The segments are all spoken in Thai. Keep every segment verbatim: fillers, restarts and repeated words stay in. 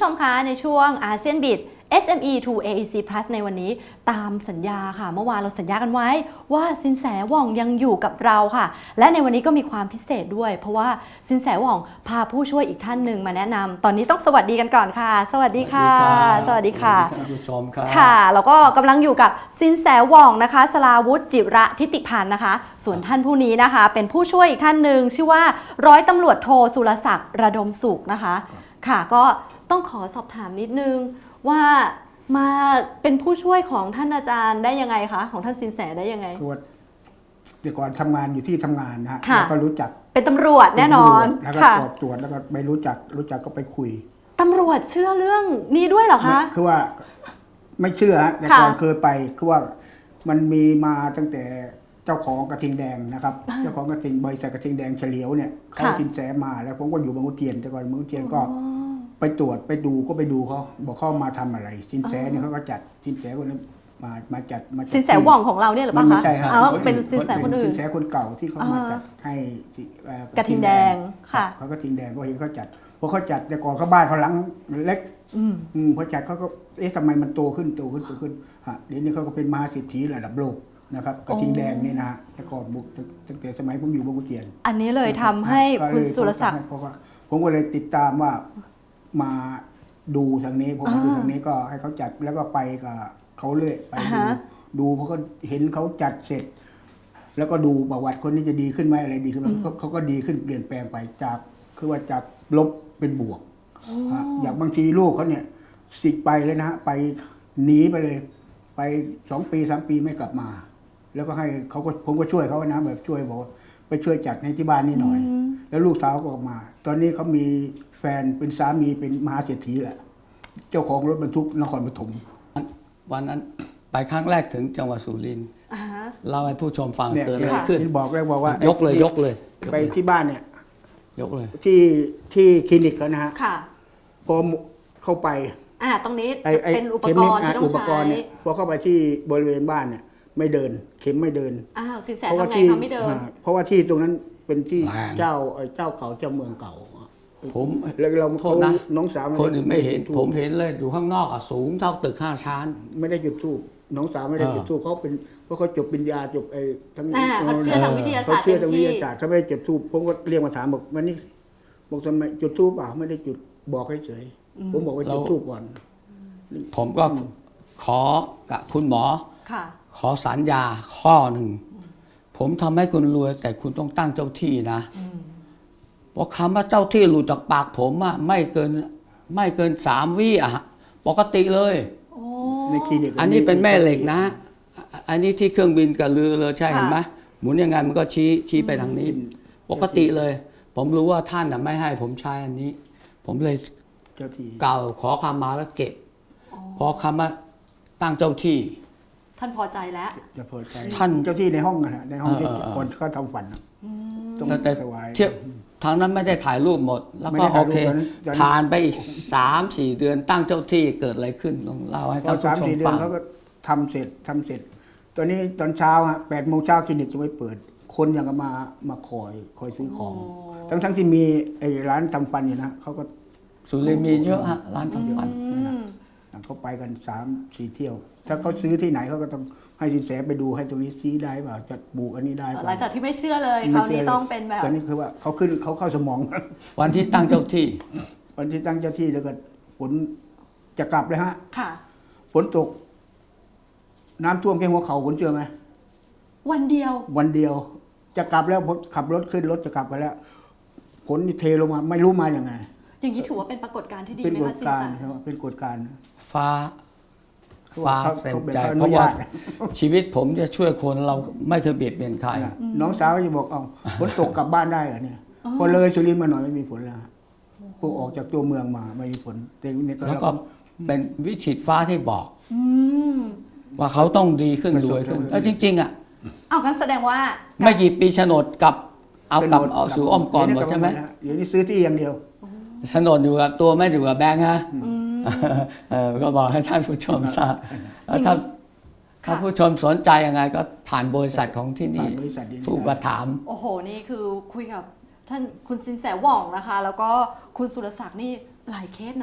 ชมคะในช่วงอาเซียนบิด เอส เอ็ม อี to เอ อี ซี Plus ในวันนี้ตามสัญญาค่ะเมื่อวานเราสัญญากันไว้ว่าสินแสหว่องยังอยู่กับเราค่ะและในวันนี้ก็มีความพิเศษด้วยเพราะว่าสินแสหว่องพาผู้ช่วยอีกท่านหนึ่งมาแนะนำตอนนี้ต้องสวัสดีกันก่อนค่ะสวัสดีค่ะสวัสดีค่ะท่านผู้ชมครับค่ะแล้วก็กำลังอยู่กับสินแสหว่องนะคะสราวุฒิจิระทิติพันธ์นะคะส่วนท่านผู้นี้นะคะเป็นผู้ช่วยอีกท่านหนึ่งชื่อว่าร้อยตำรวจโทสุรศักดิ์ระดมสุขนะคะค่ะก็ต้องขอสอบถามนิดนึงว่ามาเป็นผู้ช่วยของท่านอาจารย์ได้ยังไงคะของท่านสินแสได้ยังไงคือว่าแต่ก่อนทำงานอยู่ที่ทำงานนะฮะแล้วก็รู้จักเป็นตำรวจแน่นอนแล้วก็สอบตรวจแล้วก็ไม่รู้จักรู้จักก็ไปคุยตำรวจเชื่อเรื่องนี้ด้วยเหรอคะคือว่าไม่เชื่อฮะแต่ก่อนเคยไปคือว่ามันมีมาตั้งแต่เจ้าของกระทิงแดงนะครับเจ้าของกระทิงบริษัทกระทิงแดงเฉลียวเนี่ยเขาสินแสมาแล้วผมก็อยู่บางขุนเทียนแต่ก่อนบางขุนเทียนก็ไปตรวจไปดูก็ไปดูเขาบอกเขามาทำอะไรสินแสเนี่ยเขาก็จัดสินแสคนนั้นมามาจัดมาสินแสหว่องของเราเนี่ยหรือเปล่าคะไม่ใช่ครับเป็นสินแสคนอื่นสินแสคนเก่าที่เขามาจัดให้กระทิงแดงค่ะเขาก็ทิงแดงก็เห็นเขาจัดเพราะเขาจัดแต่ก่อนเขาบ้านเขาหลังเล็กอืมพอจัดเขาก็เอ๊ะทำไมมันโตขึ้นโตขึ้นโตขึ้นฮะเดี๋ยวนี้เขาก็เป็นมหาเศรษฐีระดับโลกนะครับกระทิงแดงนี่นะฮะแต่ก่อนบุกตั้งแต่สมัยผมอยู่บางขุนเทียนอันนี้เลยทำให้คุณสุรศักดิ์เพราะว่าผมก็เลยติดตามว่ามาดูทางนี้ผมมาดูทางนี้ก็ให้เขาจัดแล้วก็ไปกับเขาเลยไปดูดูเพราะเขาเห็นเขาจัดเสร็จแล้วก็ดูประวัติคนนี้จะดีขึ้นไหมอะไรดีขึ้นไหมเขาก็ดีขึ้นเปลี่ยนแปลงไปจากคือว่าจากลบเป็นบวกอย่างบางทีลูกเขาเนี่ยสิกไปเลยนะฮะไปหนีไปเลยไปสองปีสามปีไม่กลับมาแล้วก็ให้เขาก็ผมก็ช่วยเขานะแบบช่วยบอกไปช่วยจัดให้ที่บ้านนี่หน่อยแล้วลูกสาวก็ออกมาตอนนี้เขามีแฟนเป็นสามีเป็นมหาเศรษฐีแหละเจ้าของรถบรรทุกนครปฐมวันนั้นไปครั้งแรกถึงจังหวัดสุรินทร์เล่าให้ผู้ชมฟังเกิดอะไรขึ้นบอกเลยบอกว่ายกเลยยกเลยไปที่บ้านเนี่ยยกเลยที่ที่คลินิกเขานะฮะพอเข้าไปอ่าตรงนี้เป็นอุปกรณ์ที่ต้องใช้พอเข้าไปที่บริเวณบ้านเนี่ยไม่เดินเข็มไม่เดินอ้าวสินแสทำไงเขาไม่เดินเพราะว่าที่ตรงนั้นเป็นที่เจ้าเจ้าเขาเจ้าเมืองเก่าผมแล้วเราโทษนะน้องสาวคนอื่นไม่เห็นผมเห็นเลยอยู่ข้างนอกอ่ะสูงเท่าตึกห้าชั้นไม่ได้จุดธูปน้องสาวไม่ได้จุดธูปเขาเป็นเพราะเขาจบปริญญาจบไอ้ทั้งเขาเชื่อทางวิทยาศาสตร์เขาเชื่อทางวิทยาศาสตร์เขาไม่ได้จุดธูปผมก็เรียกมาถามบอกวันนี้บอกทำไมจุดธูปเปล่าไม่ได้จุดบอกให้เฉยผมบอกว่าจุดธูปก่อนผมก็ขอกับคุณหมอขอสัญญาข้อหนึ่งผมทำให้คุณรวยแต่คุณต้องตั้งเจ้าที่นะเพราะคำว่าเจ้าที่หลุดจากปากผมอะไม่เกินไม่เกินสามวิอะปกติเลยอันนี้เป็นแม่เหล็กนะอันนี้ที่เครื่องบินกับเรือเลยใช่เห็นไหมหมุนยังไงมันก็ชี้ชี้ไปทางนี้ปกติเลยผมรู้ว่าท่านไม่ให้ผมใช้อันนี้ผมเลยกล่าวขอคำมาแล้วเก็บพอคำว่าตั้งเจ้าที่ท่านพอใจแล้วจะพอใจท่านเจ้าที่ในห้องนะในห้องที่คนเขาทำฝันต้องถวายเที่ยวทางนั้นไม่ได้ถ่ายรูปหมดแล้วก็โอเคผ่านไปอีกสามสี่เดือนตั้งเจ้าที่เกิดอะไรขึ้นลองเล่าให้ท่านผู้ชมฟังเขาก็ทำเสร็จทำเสร็จตอนนี้ตอนเช้าฮะแปดโมงเช้าคลินิกจะไม่เปิดคนยังมามาคอยคอยซื้อของทั้งทั้งที่มีไอ้ร้านทำฟันอยู่นะเขาก็สุรินทร์มีเยอะฮะร้านทำฟันเขาไปกันสามสี่เที่ยวถ้าเขาซื้อที่ไหนเขาก็ต้องให้สินแสไปดูให้ตรงนี้ชี้ได้เปล่าจะบุกอันนี้ได้หลังจากที่ไม่เชื่อเลยคราวนี้ต้องเป็นแบบตอนนี้คือว่าเขาขึ้นเขาเข้าสมองวันที่ตั้งเจ้าที่วันที่ตั้งเจ้าที่แล้วก็ฝนจะกลับเลยฮะค่ะฝนตกน้ำท่วมแค่หัวเข่าคุณเชื่อไหมวันเดียววันเดียวจะกลับแล้วผมขับรถขึ้นรถจะกลับไปแล้วฝนเทลงมาไม่รู้มาอย่างไงอย่างนี้ถือว่าเป็นปรากฏการณ์ที่ดีไหมคะสินแสเป็นกฎการฟ้าฟ้าเต็มใจเพราะว่าชีวิตผมจะช่วยคนเราไม่เคยเบียดเบียนใครน้องสาวจะบอกเอาฝนตกกลับบ้านได้เหรอเนี่ยพอเลยสุรินทร์มาหน่อยไม่มีฝนแล้วพวกออกจากตัวเมืองมาไม่มีฝนแต่เนี่ยแล้วก็เป็นวิถีฟ้าที่บอกว่าเขาต้องดีขึ้นรวยขึ้นแล้วจริงๆอ่ะเอากันแสดงว่าไม่กี่ปีโฉนดกับเอากลับเอาสู่อ้อมกอดหมดใช่ไหมเดี๋ยวนี้ซื้อที่อย่างเดียวโฉนดอยู่กับตัวไม่อยู่กับแบงค์ฮะก็บอกให้ท่านผู้ชมทราบถ้าถ้าผู้ชมสนใจยังไงก็ผ่านบริษัทของที่นี่ผู้กระถามโอ้โหนี่คือคุยกับท่านคุณสินแสหว่องนะคะแล้วก็คุณสุรศักดิ์นี่หลายเคสนะ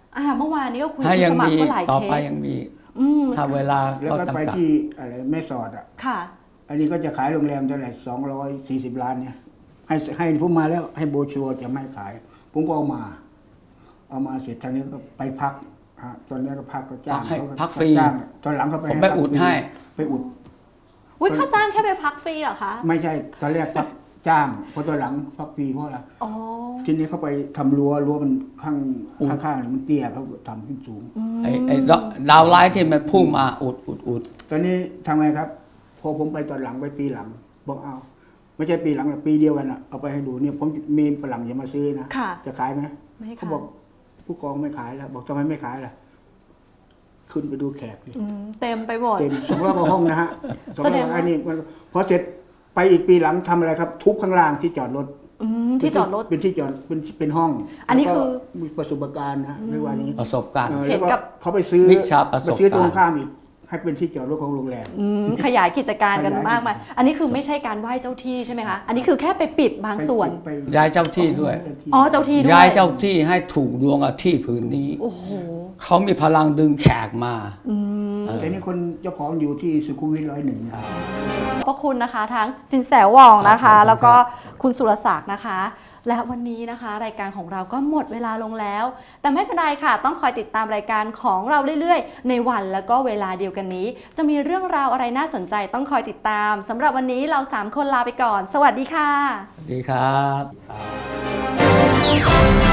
อ่าเมื่อวานนี้ก็คุยถ้ากับยังสมัคมีรก็หลายต่อเคไปสยังมีอืมถ้าเวลาแล้วก็ก็ไปจำกัดที่อะไรแม่สอดอ่ะค่ะอันนี้ก็จะขายโรงแรมเท่าไหร่สองร้อยสี่สิบล้านเนี่ย ให้ให้ผมมาแล้วให้โบรชัวร์จะไม่ขาย ผมก็เอามา เอามาเสร็จทางนี้ก็ไปพักฮะตอนนี้ก็พักก็จ้างพักให้เขาก็พักฟรีจ้างตอนหลังเขาไปผมไปพักอุดฟรีให้ไปอุดอุ้ยค่าจ้างแค่ไปพักฟรีเหรอคะไม่ใช่ตอนแรกพักจ้างพอตอนหลังพักฟรีเพราะอะไรอ๋อทีนี้เขาไปทำรั้วรั้วมันข้างข้างๆมันเตี้ยเขาทำขึ้นสูงไอ้ไอ้ดาวดาวไลท์ที่มันพุ่งมาอุดอุดอุดตอนนี้ทำไงครับ พอผมไปตอนหลังไปปีหลัง บอกเอา ไม่ใช่ปีหลังหรอกปีเดียวกันอ่ะเอาไปให้ดูเนี่ยผมมีฝรั่งจะมาซื้อนะค่ะจะขายไหมไม่ให้เขาขายบอกผู้กองไม่ขายแล้ว บอกทำไมไม่ขายล่ะขึ้นไปดูแขกดิอืมเต็มไปหมดเต็มสองร้อยกว่าห้องนะฮะสองแสดร้อง ยว่าอันนี้มันพอเสร็จไปอีกปีหลังทำอะไรครับ ทุบข้างล่างที่จอดรถอืมที่จอดรถเป็นที่จอดเป็นเป็นห้องอันนี้แล้วก็คือมีประสบการณ์นะเรียกว่าอย่างนี้ประสบการณ์เออเห็แล้วนก็กับเขาไปซื้อวิชาประสบไปซื้อตรงการณ์ข้ามอีกให้เป็นที่จอดรถของโรงแรมอืมขยายกิจการกันขยายมากมายอันนี้คือไม่ใช่การไหว้เจ้าที่ใช่ไหมคะ อันนี้คือแค่ไปปิดบางส่วนไปย้ายเจ้าที่ด้วยอ๋อเจ้าที่ด้วยย้ายเจ้าที่ให้ถูกดวงกับที่ผืนนี้โอ้โหเขามีพลังดึงแขกมาอืมแต่นี่คนเจ้าของอยู่ที่สุขุมวิทร้อยหนึ่งนะขอบคุณนะคะทั้งสินแสหว่องนะคะครับแล้วก็คุณสุรศักดิ์นะคะ และวันนี้นะคะ รายการของเราก็หมดเวลาลงแล้ว แต่ไม่เป็นไรค่ะ ต้องคอยติดตามรายการของเราเรื่อยๆ ในวันแล้วก็เวลาเดียวกันนี้ จะมีเรื่องราวอะไรน่าสนใจต้องคอยติดตามสำหรับวันนี้เราสามคนลาไปก่อน สวัสดีค่ะสวัสดีครับ